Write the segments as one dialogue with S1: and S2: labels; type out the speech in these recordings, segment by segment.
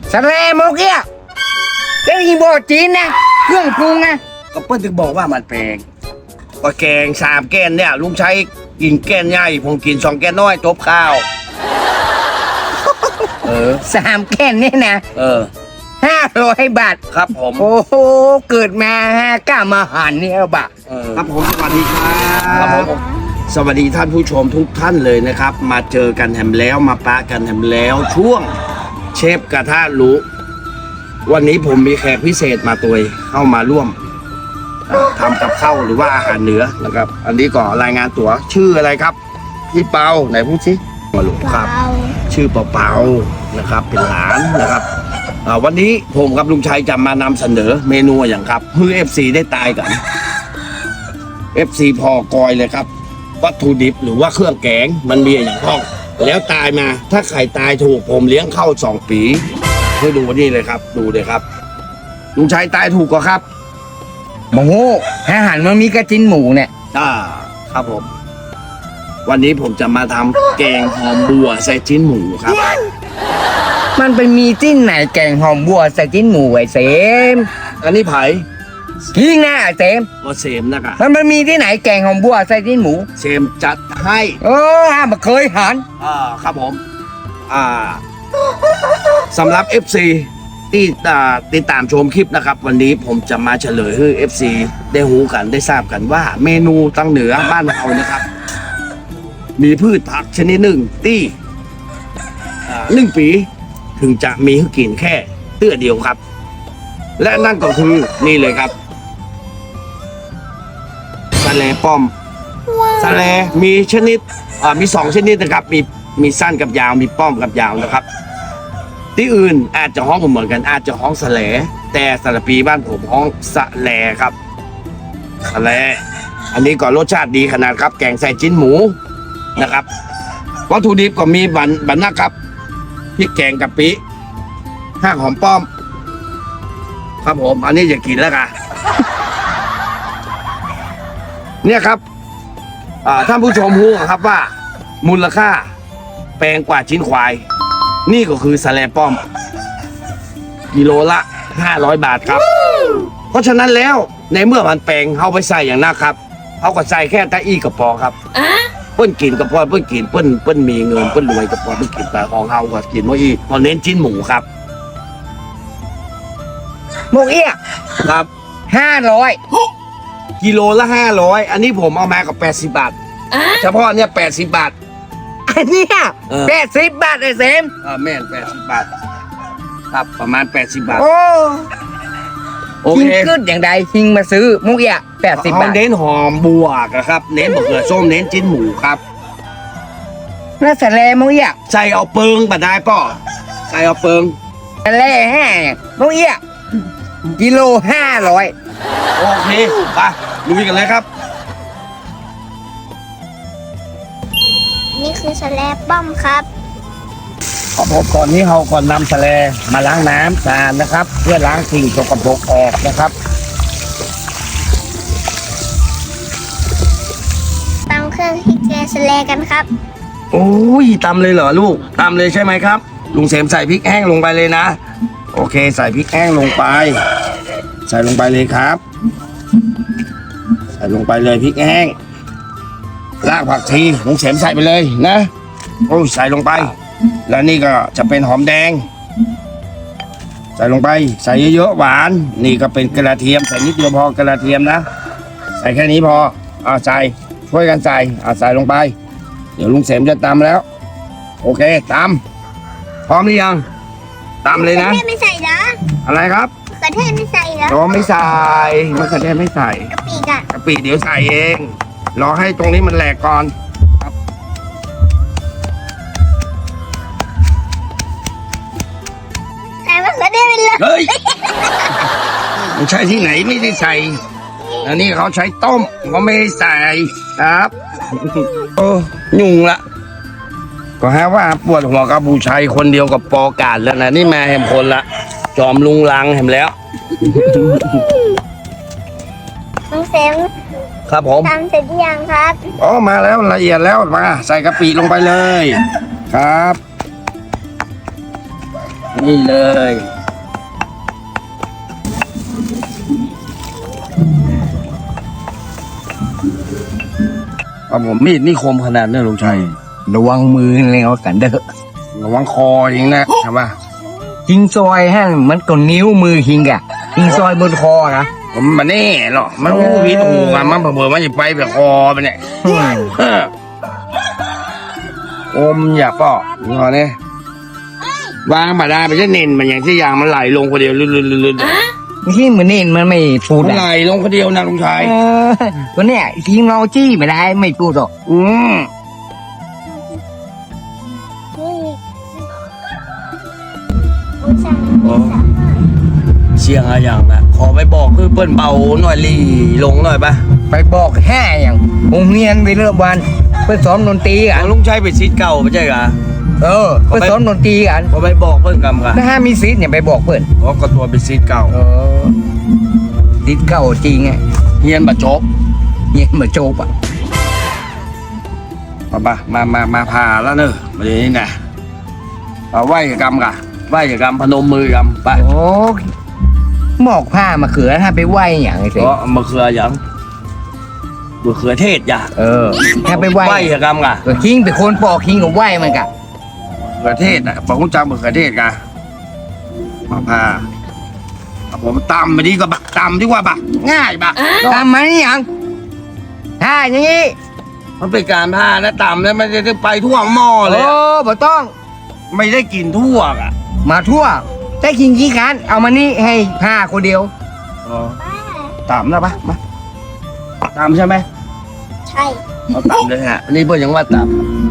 S1: สะเลโมเกียก็อีโบจีนนะเครื่องปรุงนะ
S2: ก็เปิ้ลถึงบอกว่ามันแพงก็แกง3 แกนเนี่ยลุงใช้กินแกนใหญ่ผมกิน2 แกนน้อยจบข้าว
S1: 3 แค่นี้นะ 500 บาท
S2: ครับผม
S1: โอ้โหเกิดมา5 ก้ามาหันนี่เอาบะ
S2: ครับผมสวัสดีครับผมสวัสดีท่านผู้ชมทุกท่านเลยนะครับ มาเจอกันแถมแล้วมาปะกันแถมแล้วช่วงเชฟกระทะรู้วันนี้ผมมีแขกพิเศษมาตัวเข้ามาร่วมทำกับข้าวหรือว่าอาหารเหนือนะครับ อันนี้ก็รายงานตัวชื่ออะไรครับพี่เปาไหนพูดสิมาลูกครับ ชื่อเปานะครับเป็นหลานนะครับวันนี้ผมกับลุงชัยจะมานำเสนอเมนูอย่างครับเพื่อ FC ได้ตายกัน FC พอกอยเลยครับวัตถุดิบหรือว่าเครื่องแกงมันมีอย่างห้องแล้วตายมาถ้าใครตายถูกผมเลี้ยงเข้า2 ปีให้ดูนี่เลยครับดูเลยครับลุงชัยตายถูกก็ครับ
S1: โมโหอาหารมันมีกระจินหมูเนี่ย
S2: ครับผมวันนี้ผมจะมาทำแกงหอมบัวใส่ชิ้นหมูครับ
S1: มันไปมีจิ้นไหนแกงหอมบัวใส่จิ้นหมูไอ้เสม
S2: อันนี้ไผ่
S1: ทิ้งนะไอ้เสม
S2: ก็เสมนะครับ
S1: มันมีที่ไหนแกงหอมบัวใส่จิ้นหมู
S2: เสมจัดให้
S1: มาเคยหัน
S2: ครับผมสำหรับ FC ที่ติดตามชมคลิปนะครับ วันนี้ผมจะมาเฉลยให้ FC ได้หูกันได้ทราบกันว่าเมนูตั้งเหนือบ้านเรานะครับ มีพืชผักชนิดหนึ่งที่1 ปีถึงจะมีให้กินแค่เตื้อเดียวครับ และนั่นก็คือนี่เลยครับสะแลป้อมสะแลมีชนิดมี2 ชนิดนะครับมีสั้นกับยาวมีป้อมกับยาวนะครับที่อื่นอาจจะฮ้องเหมือนกันอาจจะฮ้องสะแลแต่สระปีบ้านผมฮ้องสะแลครับสะแลอันนี้ก็รสชาติดีขนาดครับแกงใส่จิ้นหมูนะครับวัตถุดิบก็มีบันนะครับพริกแกงกะปิห้างหอมป้อมครับผมอันนี้อย่ากินแล้วกัน เนี่ยครับท่านผู้ชมรู้ครับว่ามูลค่าแพงกว่าชิ้นควายนี่ก็คือสะแลป้อมกิโลละ500 บาทครับเพราะฉะนั้นแล้วในเมื่อมันแพงเขาไปใส่อย่างนั้นครับเขาก็ใส่แค่ตะอี้กระปอครับเปิ้นกินกระปอเปิ้นกินเปิ้นมีเงินเปิ้นรวยกระปอเปิ้นกินแต่ของเขาก็กินว่าอีพอเน้นชิ้นหมูครับ
S1: โมเอี้ย
S2: ครับ
S1: 500
S2: กิโลละ500อันนี้ผมเอามากับ80 บาทเฉพาะเนี่ย80 บาท
S1: อันเนี้ย80 บาทไอ้เสม
S2: แม่น80 บาทครับประมาณ80 บาท โอ
S1: หิง
S2: เค
S1: ขึ้นอย่างใดหิงมาซื้อโมเอี้ย80 บาท
S2: เน้นหอมบัวครับเน้นมะเขือส้มเน้นจิ้นหมูครับ
S1: แล้วสะเลโมเอี้ย
S2: ใส่เอาเปิงบัดได้ป่อใส่เอาเปิง
S1: สะเลโมเอี้ยกิโล500
S2: โอเคไปลุยกันเลยครับ
S3: นี่คือสแลบป้อมครับ
S2: ขอผมก่อนนี้เราก่อนนำสะเลมาล้างน้ำสะอาดนะครับ เพื่อล้างสิ่งสกปรกออกนะครับ
S3: ตำเครื่องพริกแกงสแลกันครับ
S2: โอ้ยตำเลยเหรอลูกตำเลยใช่ไหมครับลุงเสมใส่พริกแห้งลงไปเลยนะโอเคใส่พริกแห้งลงไปใส่ลงไปเลยครับ ใส่ลงไปเลยพริกแห้งรากผักชีลุงเสมใส่ไปเลยนะโอ้ยใส่ลงไปแล้วนี่ก็จะเป็นหอมแดงใส่ลงไปใส่เยอะๆหวานนี่ก็เป็นกระเทียมใส่นิดเดียวพอกระเทียมนะใส่แค่นี้พอใส่ช่วยกันใส่ใส่ลงไปเดี๋ยวลุงเสมจะตำแล้วโอเคตำพร้อมหรือยังตำเลยนะ
S3: มะเขือเทศไม่ใส่เหรอ
S2: อะไรครับ
S3: มะเขือเทศไม่ใส่เหรอ
S2: โอ้ไม่ใส่มะเขือเทศไม่ใส่
S3: กะปิกะ
S2: กะปิเดี๋ยวใส่เองรอให้ตรงนี้มันแหลกก่อนครับ
S3: ใส่มะเขือเทศไปเลย
S2: เฮ้ยไม่ใช่ที่ไหนไม่ได้ใส่อันนี้เขาใช้ต้มเขาไม่ได้ใส่ครับโอ้ยุ่งละก็ฮะว่าปวดหัวกับบูชัยคนเดียวกับปอกาดแล้วนะนี่มาแหมคนละจอมลุงลังแหมแล้ว
S3: น้องเซม
S2: ครับผม
S3: ทำเสร็จหรือยังครับ
S2: อ๋อมาแล้วละเอียดแล้วมาใส่กะปิลงไปเลยครับนี่เลยครับผมมีดนี่คมขนาดนี้ลุงชัย
S1: ระวังมือแล้วกันเด้อ
S2: ระวังคอยิงนะใช่ปะ
S1: หิงซอยให้มันก็นิ้วมือหิงอะหิงซอยบนคอนะ
S2: ผมมันแน่หรอกมันรู้ผิดถูกอ่ะมันเผื่อมันจะไปแบบคอไปเนี่ย
S1: อืม
S2: อมอย่าป้อนี่พอเนี่ยวางมาได้ไปจะเน้นมันอย่างที่ยางมันไหลลงคนเดียวลื่นๆ
S1: ที่มันนี่มันไม่พูด
S2: มันไหล
S1: อะ
S2: ลงคนเดียวนะลุงชัย
S1: ตัวเนี้ยทิ้งเราจี้ไม่ได้ไม่พูดหรอก
S2: อืม
S3: นี่อุตส่าห์ไม่สามารถ
S2: เชียงอะไรอย่างนะขอไปบอกคือเปิ้นเบาหน่อยลีลงหน่อยปะ
S1: ไปบอกแห่อย่างโรงเรียนไปเริ่มวันไปซ้อมดนตรีกั
S2: อ๋อน ลุงชัยไปซีดเก่าไม่ใช่เหรอ
S1: ไปซ้อมดนตรีกัน
S2: พอไปบอกเปิ้นกำกัน
S1: ถ้ามีซีดเนี่ยไปบอกเพื่อน
S2: เพราะก็ตัวเป็นซีดเก่า
S1: ซีดเก่าจริงไง
S2: เฮียนบะจบ
S1: เงี้ยเหมือนโจบอ่ะ
S2: มามาพาแล้วเนอะมาเดี๋ยวนี้นะเอาไหว้กับกำกันไหว้กับกำพนมมือกำไป
S1: โอ้หมอกผ้ามาเขือถ้าไปไหวอย่างไอ้สิ
S2: เพราะมะเขืออย่างมะเขือเทศอย่า
S1: ถ้าไปไหว
S2: ไหว้กับกำกัน
S1: ก็คิงไปคนปอกคิงกับไหวมันกะ
S2: มะเขือเทศนะบอกคุณจำมะเขือเทศกันมาพาเอาผมตำไปดีกว่าบะตำดีกว่าบะง่ายบะ
S1: ทำมานี่ยังถ้าอย่างนี้
S2: มันเป็นการพานะตำแล้วมันจะไปทั่วหม้อเลย
S1: โอ้
S2: อะ
S1: บ่ต้อง
S2: ไม่ได้กินทั่วอ่ะ
S1: มาทั่วแต่คิงขี้คร้านเอามานี่ให้ผ้าคนเดียว
S2: ตำนะปะมาตำใช่ไหม
S3: ใช่
S2: เอาตำเลยฮะนี่เพื่อนยังว่าต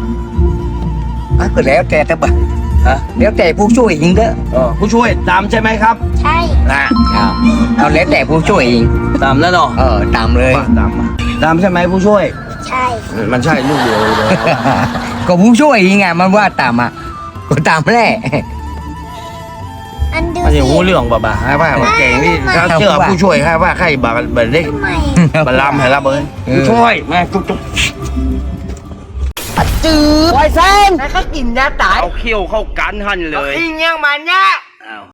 S1: ก็แล้วแต่บะ
S2: ำฮะ
S1: แล้วแต่ผู้ช่วยเองเด้อ
S2: ผู้ช่วยตำใช่ไหมครับ
S3: ใช่
S2: นะ
S1: เอาแล้วแต่ผู้ช่วยเอง
S2: ตำแล้วเนาะ
S1: ตามเลย
S2: มาตำมาตำใช่ไหมผู้ช่วย
S3: ใช่
S2: มันใช่ลูกเดียวเลย
S1: ก็ผู้ช่วยเองไงมันว่าตามอ่ะก็ตามแหละ
S3: อันดู
S2: มัน
S3: สิ
S2: จะหูเรื่องบ่าให้ว่ามันเก่งนี่ถ้าเชื่อผู้ช่วยให้ว่าใครบ่าแบบนี้
S3: ทำไม
S2: บลำให้รับเลยผู้ช่วยมาจุ๊บ
S1: จืดไวเซนแล้วก็กินยาตาย
S2: เอาเขี้ยวเข้ากันหันเลย
S1: อิงยังมันเนี่ย
S2: อ้าว